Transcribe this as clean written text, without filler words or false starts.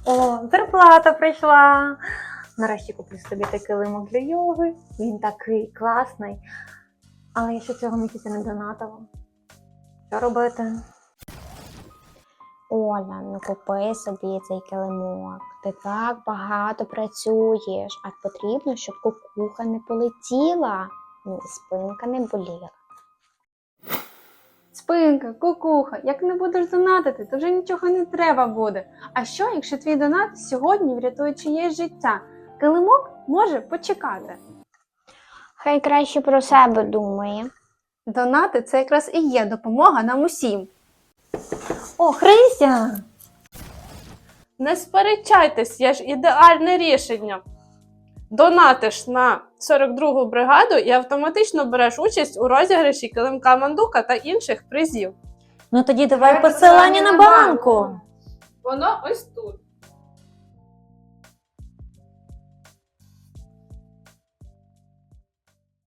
О, зарплата прийшла. Нарешті куплю собі такий килимок для йоги. Він такий класний. Але я ще цього місяця не донатила. Що робити? Оля, ну купи собі цей килимок. Ти так багато працюєш, а потрібно, щоб кукуха не полетіла, ну і спинка не боліла. Спинка, кукуха, як не будеш донатити, то вже нічого не треба буде. А що, якщо твій донат сьогодні врятує чиєсь життя? Килимок може почекати. Хай краще про себе думає. Донати – це якраз і є допомога нам усім. О, Христя! Не сперечайтесь, є ж ідеальне рішення. Донатиш на 42-гу бригаду і автоматично береш участь у розіграші килимка Мандука та інших призів. Ну тоді давай посилання на банку. Воно ось тут.